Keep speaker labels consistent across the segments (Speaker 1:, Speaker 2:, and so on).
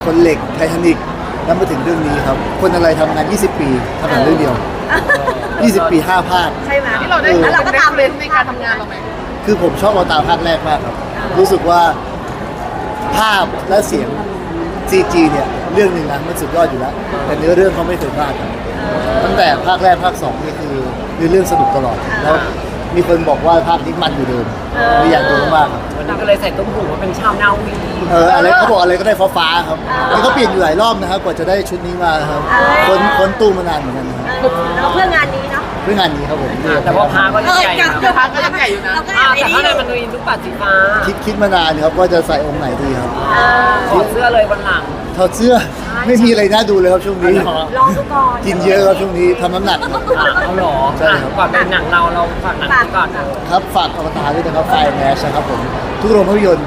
Speaker 1: คนเหล็กไททานิกแล้วมาถึงเรื่องนี้ครับคนอะไรทำงาน20 ปีทำหนังเรื่องเดียว20 ปี5 ภาค
Speaker 2: ใช่ไหม
Speaker 3: ที่เราได้
Speaker 2: แล้วเราก็ตามเลย
Speaker 3: ในการทำงานเราไหม
Speaker 1: คือผมชอบเอาตาภาคแรกมากครับรู้สึกว่าภาพและเสียง CG เนี่ยเรื่องหนึ่งนะมันสุดยอดอยู่แล้วแต่เนื้อเรื่องเขาไม่เคยพลาดครับตั้งแต่ภาคแรกภาค2นี่คือเรื่องสนุกตลอดแล้วมีคนบอกว่าภาคนี้มันอยู่เดิมไม่อยากดูมากครับ
Speaker 3: วันนี้ก็เลยใส่ตุ้มหูว่าเป็นชาวนาวี
Speaker 1: อะไรเขาบอกอะไรก็ได้ฟ้าๆครับนี่เขาเปลี่ยนอยู่หลายรอบนะครับกว่าจะได้ชุดนี้มาครับค้นตู้มานานเหมือนกันนะครับ
Speaker 2: เราเพื่องานนี้เนาะ
Speaker 1: เพื่องานนี้ครับผม
Speaker 3: แต่ว่าพาก็ยังใหญ่อยู่นะ
Speaker 2: พาก็ยังใหญ่อยู่นะเราก็
Speaker 3: แต่ข้างในมันมีลูกปัดสีฟ้า
Speaker 1: คิดมานานครับว่าจะใส่องค์ไหนดีครับ
Speaker 3: ถอดเสื้อเลยวันหลัง
Speaker 1: ถอดเสื้อไม่มีอะไรน่าดูเลยครับช่วงนี้
Speaker 2: ลองดูก่อน
Speaker 1: กินเยอะครับช่วงนี้ทำน้ำหนักครับ
Speaker 3: เอาหรอ
Speaker 1: ใช่ครับ
Speaker 3: ก่อนเป็นหนังเราฝากหนังนี้ก่อนนะครับ
Speaker 1: ฝากอวตารด้วยนะครับไฟแมชนะครับผมทุกโรงภาพยนตร์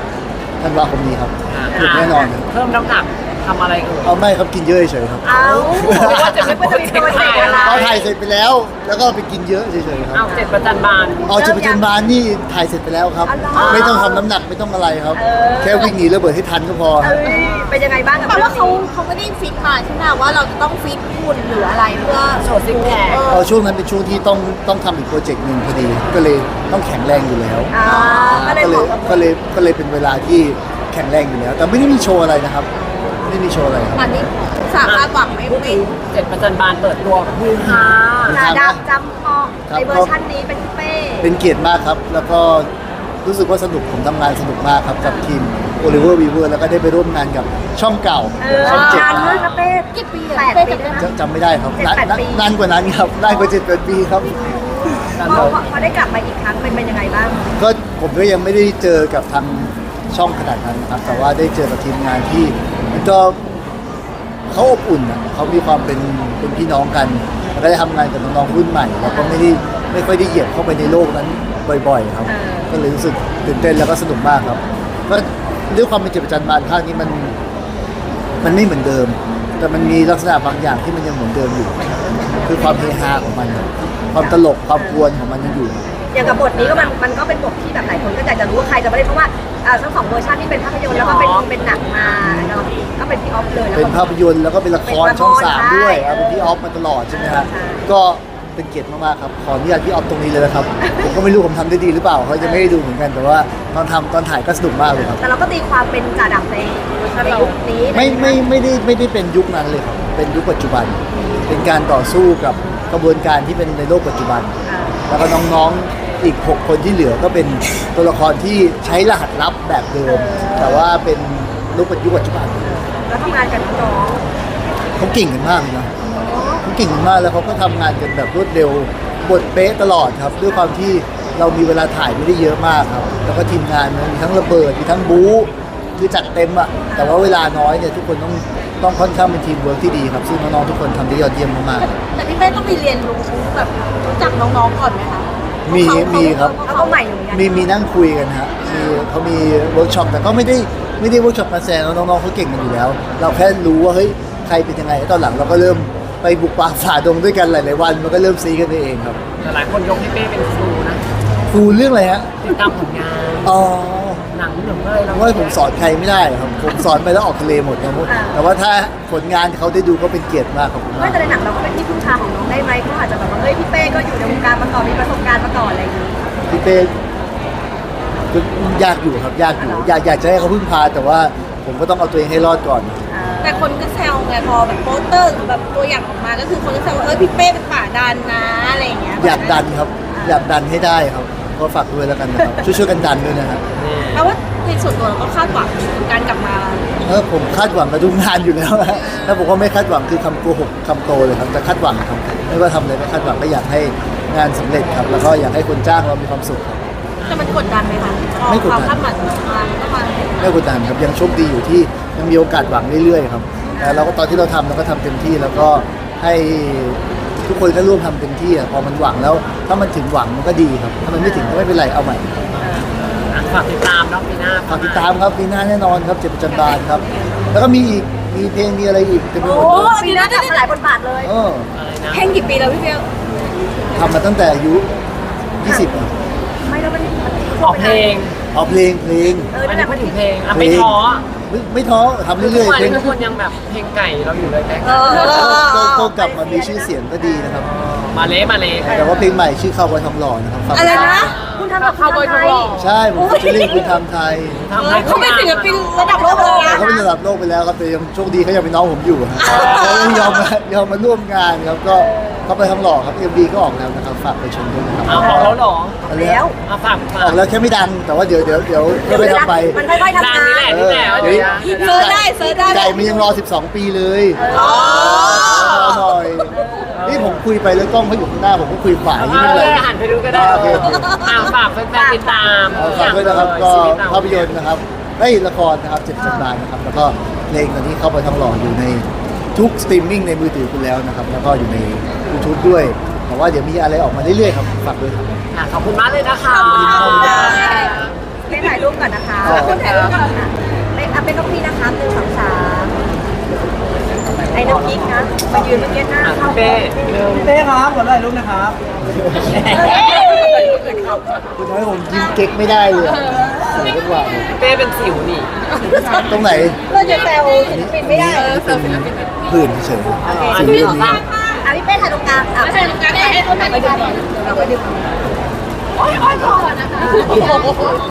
Speaker 1: 17 ธันวาคมนี้ครับถูกแน่นอนครับ
Speaker 3: เพิ่มน้ำหนักทำอะไรกัน
Speaker 1: เอาไม่ครับกินเยอะเฉยๆครับ
Speaker 2: เอา
Speaker 3: ว่าจะไม่พูดถึง
Speaker 2: ตัวเด็กอะไร
Speaker 1: เอาถ่ายเสร็จไปแล้ว แล้วก็ไปกินเยอะเฉยๆค
Speaker 3: เอา
Speaker 1: รับ
Speaker 3: 7 ประจันบาน
Speaker 1: เอาจะไปจนบานนี่ถ่ายเสร็จไปแล้วครับ ไม่ต้องทำน้ำหนักไม่ต้องอะไรครับ แค่วิ่งหนีระเบิดให้ทันก็พอครับ
Speaker 2: เป็นยังไงบ้างกับ
Speaker 4: แต่
Speaker 2: เรื่อ
Speaker 4: ว่าง เขา
Speaker 2: นี้
Speaker 4: ไม่ได้ฟิตมาใช่ไหมว่าเราจะต้องฟิตหุ่นหรืออะไรเพื่อ
Speaker 3: โชว์ซิกแพค
Speaker 1: เอาช่วงนั้นเป็นช่วงที่ต้องทำอีกโปรเจกต์หนึ่งพอดี ก็เลยต้องแข็งแรงอยู่แล้ว
Speaker 2: ก็เลยบอก
Speaker 1: ก็เลยเป็นเวลาที่แข็งแรงอยู่แล้ว แต่ไม่ได้มีโชว์อะไรนะครับ ไม่ได้มีโชว์อะไรครับ
Speaker 4: มันนี่สามารถหวังไม่เป็น
Speaker 3: 7 ประจันบานเปิดตัวฮือฮา
Speaker 2: จาดำจำพอในเวอร์ชันนี้เป็นพี่เป้
Speaker 1: เป็นเกียรติมากครับ แล้วก็รู้สึกว่าสนุกผมทำงานสนุกมากครับกับทีมโอลิเวอร์วีเวอร์แล้วก็ได้ไปร่วมงานกับช่องเก่าช่องเจ็ด
Speaker 2: นานมากนะเป้
Speaker 4: กี่ปี
Speaker 2: แป
Speaker 4: อะ
Speaker 2: ด
Speaker 4: เป้
Speaker 2: ปี
Speaker 4: จำได้
Speaker 2: นะ
Speaker 4: ไหม
Speaker 1: จำไม่ได้ครับ
Speaker 2: 7-8 ปี
Speaker 1: นานกว่านั้นครับนานกว่า7-8 ปีครับ
Speaker 2: พอได้กลับมาอีกครั้งเป็นยังไงบ้าง
Speaker 1: ก็ผมก็ยังไม่ได้เจอกับทางช่องขนาดนั้นนะครับ แต่ว่าได้เจอกับทีมงานที่มันก็เขาอบอุ่นนะเขามีความเป็นพี่น้องกันแล้วก็ได้ทำงานกับน้องๆรุ่นใหม่แล้วก็ไม่ค่อยได้เหยียบเข้าไปในโลกนั้นบ่อยๆครับ ก็เลยรู้สึกตื่นเต้นแล้วก็สนุกมากครับก็ด้วยความเป็นเจ็บประจันบานภาคนี้มันไม่เหมือนเดิม แต่มันมีลักษณะบางอย่างที่มันยังเหมือนเดิมอยู่ คือความเฮฮาของมันครับความตลกความกวนของมันยังอยู่
Speaker 2: อย่างกับบทนี้ก็มันก็เป็นบทที่แบบหลายคนก็อยากจะรู้ว่าใครจะมาเล่นเพราะว่าทั้งสองเวอร์ชันที่เป็นภาพยนตร์แล้วก็เป็นหนังมาเนาะก็เป็นพี่ออฟเลยแล้ว
Speaker 1: เป็น
Speaker 2: ก็
Speaker 1: ภาพยนตร์แล้วก็เป็นละครช่อง 3 ด้วย
Speaker 2: ใช่
Speaker 1: เป็นพี่ออฟมาตลอดใช่ไหมครับ
Speaker 2: ใช่
Speaker 1: ก็เป็นเกียรติมากๆครับขออนุญาตพี่ออฟตรงนี้เลยนะครับ ผมก็ไม่รู้ผมทำได้ดีหรือเปล่าเขาจะไม่ได้ดูเหมือนกันแต่ว่าตอนถ่ายก็สนุกมากเลยครับ
Speaker 2: แต่เราก็ตีความเป็นจ่าดำในยุคนี้
Speaker 1: ไม่ได้เป็นยุคนั้นเลยครับเป็นยุคปัจจุบัน เป็นการต่อสู้กับกระบวนการที่เป็นในโลกปัจจุบัน แล้วก็น้องๆอีก 6 คนที่เหลือก็เป็นตัวละครที่ใช้รหัสลับแบบเดิม แต่ว่าเป็นยุคปัจจุบัน
Speaker 2: แล้วทำงานกันน้อง
Speaker 1: เขาเก่งกันมากเลยนะเขาเก่งกันมากแล้วเขาก็ทำงานกันแบบรวดเร็วบทเป๊ะตลอดครับ ด้วยความที่เรามีเวลาถ่ายไม่ได้เยอะมากครับ แล้วก็ทีมงานมีทั้งระเบิดมีทั้งบู๊คือจัดเต็มอะแต่ว่าเวลาน้อยเนี่ยทุกคนต้องค่อนข้างเป็นทีมเวิร์กที่ดีครับซึ่งน้องๆทุกคนทำได้ยอดเยี่ยมมากๆ
Speaker 4: แต่พี่เป้ต้องไปเรียนรู้แบบรู้จักน้องๆก่อนไหมคะ
Speaker 1: มีครับ
Speaker 2: เขาก็ใหม่อยู่เหมือนกัน
Speaker 1: มีนั่งคุยกันฮะเขามีเวิร์กช็อปแต่ก็ไม่ได้เวิร์กช็อปมาแซงน้องๆเขาเก่งกันอยู่แล้ว เราแค่รู้ว่าเฮ้ยใครเป็นยังไงตอนหลังเราก็เริ่มไปบุกป่าฝ่าดงด้วยกันหลายๆวันมันก็เริ่มซีกันไปเองครับ
Speaker 3: แต่หลายคนยกพี่เป้เป็นครูนะ
Speaker 1: ครูเรื่องอะไรฮะ
Speaker 3: ติดตามผลงาน
Speaker 1: อ๋อ
Speaker 3: หนังหนึ่งเลยเรา
Speaker 1: ว่าผมสอนใครไม่ได้ครับผมสอนไปแล้วออกทะเลหมดครับแต่ว่าถ้าผลงานเขาได้ดูก็เป็นเกียรติมากครับผม
Speaker 2: ไม่แต่ในหนังเราก็เป็นที่พึ่งพาของน้องได้ไหมเขาอาจจะแบบว่าเฮ้ยพี่เป้ก็อยู่ในวงการมาก่อนมีประสบการณ์มาก่อนอะไรอย่างนี้
Speaker 1: พี่เป้ก็ยากอยู่ครับยากอยู่อยากจะให้เขาพึ่งพาแต่ว่าผมก็ต้องเอาตัวเองให้รอดก่อน
Speaker 4: แต่คนก็แซวไงพอแบบโปสเตอร์หรือแบบตัวอย่างออกมาก็คือคนก็แซวว่าพี่เป้เป็นป่าดันนะอะไรอย่างเงี้ย
Speaker 1: อยากดันครับ อยากดันให้ได้ครับก็ฝากด้วยแล้วกันนะครับ ช่วยกันดันด้วยนะครับ
Speaker 4: เพราะว่าในส่วนตัวเราก็คาดหวังการกลับมา
Speaker 1: ผมคาดหวังกับทุกงานอยู่แล้วนะถ้าผมว่าไม่คาดหวังคือคำโกหกคำโตเลยครับแต่คาดหวังครับไม่ว่าทำอะไรไม่คาดหวังก็อยากให้งานสำเร็จครับ แล้วก็อยากให้คนจ้างเรามีความสุขครับ
Speaker 4: แต่มันกดดันไหมคะ
Speaker 1: ไม่กดดัน
Speaker 4: ความคาดหวังมาก็มา
Speaker 1: ไม่กดดันครับยังโชคดีอยู่ที่ยังมีโอกาสหวังเรื่อยๆครับแต่เราก็ตอนที่เราทำเราก็ทำเต็มที่แล้วก็ให้ทุกคนก็ร่วมทำเต็มที่พอมันหวังแล้วถ้ามันถึงหวังมันก็ดีครับถ้ามันไม่ถึงก็ไม่เป็นไรเอาใหม่
Speaker 3: ฝากติดตามน้องปีหน้า
Speaker 1: ฝากติดตามครับปีหน้าแน่นอนครับเจ็บประจันบานครับ แล้วก็มีอีกมีเพลงมีอะไรอีกเต็มไปหมดเลย
Speaker 2: ปีหน้าทำหลายบทบาทเลย
Speaker 3: อะไรนะ
Speaker 4: เพลงกี่ปีแล้วพี่เป้
Speaker 1: ทำมาตั้งแต่อายุ20อะ
Speaker 2: ไม่แล้วมัน
Speaker 3: ออกเพลง
Speaker 1: เอาเพลง
Speaker 2: เออ
Speaker 3: อัน
Speaker 2: นั่นแห
Speaker 3: นี้
Speaker 2: ละ
Speaker 3: พู
Speaker 2: มั
Speaker 3: ด
Speaker 2: น
Speaker 3: ถึงเพลงอ่ะไม่ท้อ
Speaker 1: ไม่ท้อทำ
Speaker 3: ทุ
Speaker 1: เรื่
Speaker 3: ก
Speaker 1: อย
Speaker 3: วั
Speaker 1: ๆเพลง
Speaker 3: ทุกคนยังแบบเพลงไก่เราอยู่เลยไหม
Speaker 1: ก็กลับมามีชื่อเสียงก็ดีนะครับ
Speaker 3: มาเละมาเละ
Speaker 1: แต่ว่าเพลงใหม่ชื่อข้าวบอยทองหล่อนะครับฟัง
Speaker 4: อะไรนะ
Speaker 2: คุณทำกับคุณทำไทย
Speaker 1: ใช่ผมฟิชเชอริ่งคุณทำไทย
Speaker 3: ทำให้
Speaker 4: เขาเป็นศิลปินระดับโลกเลยนะ
Speaker 1: เขาเป็นระดับโลกไปแล้วครับแต่ยังโชคดีเขายังเป็นน้องผมอยู่ฮะเขายังยอมมาร่วมงานครับก็เขาไปทองหล่อครับ MV ก็ออกแล้วนะครับฝากไปชมด้วยนะครับ
Speaker 3: เอาของแล้วเหรอ
Speaker 2: แล้ว
Speaker 3: มาฝาก
Speaker 1: ออกแล้วแค่ไม่ดังแต่ว่าเดี๋ยวค่อยๆทำไป
Speaker 2: มันค่อยๆทำ
Speaker 3: ดัง
Speaker 2: งา
Speaker 3: นี่แหละ
Speaker 2: น
Speaker 3: นี่แหละ
Speaker 1: เดี๋ยว
Speaker 4: เซิร์ชได้เซิร์ชได้
Speaker 1: ไก่มันยังรอ 12 ปีเลยรอหน่อยนี่ผมคุยไปแล้วกล้องเขาอยู่ข้างหน้าผมก็คุยฝ่ายนี่
Speaker 3: เอา
Speaker 1: ไม่
Speaker 3: เล
Speaker 1: เป็น
Speaker 3: ย
Speaker 1: ไร
Speaker 3: หันไปดูก็ได้
Speaker 1: โอเค
Speaker 3: ฝากแฟนๆติดตาม
Speaker 1: ฝากด้วยนะครับก็
Speaker 3: ชีวิตเร
Speaker 1: ภาพยนตร์นะครับละครนะครับ7สัปดาห์นะครับแล้วก็เพลงตอนนี้เข้าไปทองหล่ออยู่ในทุกสตรีมมิ่งในมือถือคุณแล้วนะครับแล้วก็อยู่ใน YouTube ด้วยแต่ว่าเดี๋ยวมีอะไรออกมาเรื่อยๆครับฝากด้วยครับ
Speaker 3: ค่ะขอบคุณมากเลยนะคะ
Speaker 2: เล่นถ่ายรูปก่อนนะคะ
Speaker 1: อ๋อ
Speaker 2: คุณถ่ายรูปก่อนค่ะเป็นน้องพี่นะคะ1 2 3ไอ้น้ำพริกนะมายืนเมื่อกี้หน้าเข้า
Speaker 3: เป้
Speaker 5: พี่เต้ครับขอถ่ายรูปนะครับ
Speaker 1: คุณทำให้ผมยิ้มเก๊กไม่ได้เลยอะเสียจังหวะเลย
Speaker 3: เป้เป็นสิวนี่
Speaker 1: ตรงไหน
Speaker 2: เราจะแซวศิลปินไม่ได้
Speaker 1: เป็นผื่นเฉยๆ
Speaker 3: อัน
Speaker 1: สี
Speaker 3: นี้
Speaker 1: นี้
Speaker 3: ของ
Speaker 2: พี่เป้ถ่ายตรงกลางไม่ใช่ตรงกลางให้เขาถ่ายไปดูเราไปดู